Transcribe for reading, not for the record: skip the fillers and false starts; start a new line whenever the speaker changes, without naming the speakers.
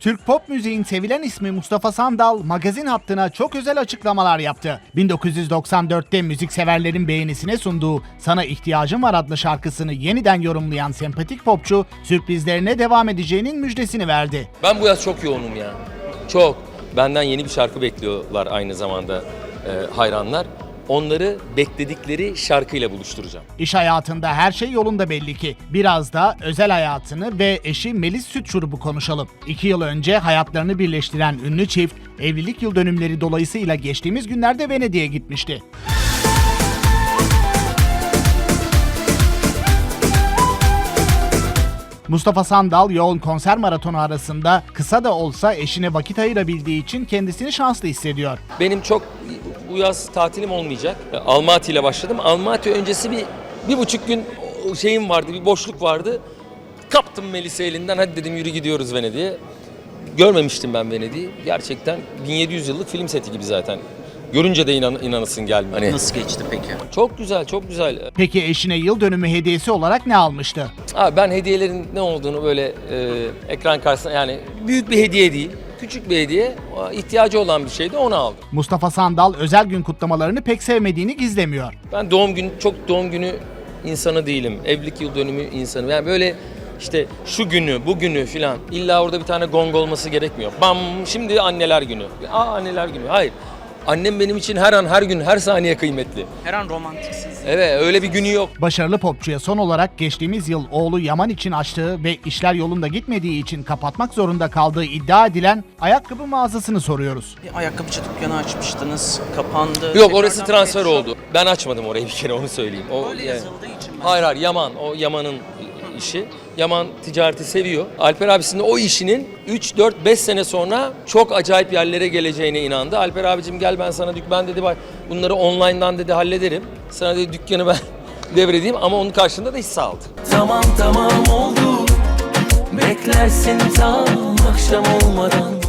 Türk pop müziğin sevilen ismi Mustafa Sandal, magazin hattına çok özel açıklamalar yaptı. 1994'te müzikseverlerin beğenisine sunduğu Sana İhtiyacım Var adlı şarkısını yeniden yorumlayan sempatik popçu, sürprizlerine devam edeceğinin müjdesini verdi.
Ben bu yaz çok yoğunum ya. Çok. Benden yeni bir şarkı bekliyorlar aynı zamanda hayranlar. Onları bekledikleri şarkıyla buluşturacağım.
İş hayatında her şey yolunda belli ki. Biraz da özel hayatını ve eşi Melis Sütçurup'u konuşalım. 2 yıl önce hayatlarını birleştiren ünlü çift, evlilik yıl dönümleri dolayısıyla geçtiğimiz günlerde Venedik'e gitmişti. Mustafa Sandal yoğun konser maratonu arasında kısa da olsa eşine vakit ayırabildiği için kendisini şanslı hissediyor.
Benim çok bu yaz tatilim olmayacak. Almaty ile başladım. Almaty öncesi bir buçuk gün şeyim vardı, bir boşluk vardı. Kaptım Melis'i elinden, hadi dedim yürü gidiyoruz Venedik'e. Görmemiştim ben Venedik'i. Gerçekten 1700 yıllık film seti gibi zaten. Görünce de inanasın gelmiyor. Hani
Nasıl geçti peki?
çok güzel, çok güzel.
Peki eşine yıl dönümü hediyesi olarak ne almıştı?
Abi ben hediyelerin ne olduğunu böyle ekran karşısında, yani büyük bir hediye değil, küçük bir hediye, ihtiyacı olan bir şeydi, onu aldım.
Mustafa Sandal özel gün kutlamalarını pek sevmediğini gizlemiyor.
Ben çok doğum günü insanı değilim. Evlilik yıl dönümü insanı. Yani böyle işte şu günü, bu günü filan. İlla orada bir tane gong olması gerekmiyor. Bam, şimdi anneler günü. Anneler günü. Hayır. Annem benim için her an, her gün, her saniye kıymetli.
Her an romantiksiniz.
Evet, öyle bir günü yok.
Başarılı popçuya son olarak geçtiğimiz yıl oğlu Yaman için açtığı ve işler yolunda gitmediği için kapatmak zorunda kaldığı iddia edilen ayakkabı mağazasını soruyoruz.
Bir ayakkabıcı dükkanı açmıştınız, kapandı.
Yok, orası
Tekrardan
transfer
pet shop.
oldu. Ben açmadım orayı, bir kere onu söyleyeyim.
Öyle yazıldığı için ben...
Hayır, Yaman. O Yaman'ın işi. Yaman ticareti seviyor. Alper abisinin o işinin 3, 4, 5 sene sonra çok acayip yerlere geleceğine inandı. Alper abicim gel, ben sana ben dedi bak bunları online'dan dedi hallederim. Sana dedi dükkanı ben devredeyim, ama onun karşılığında da hisse aldı.
Tamam oldu. Beklersin tam akşam olmadan.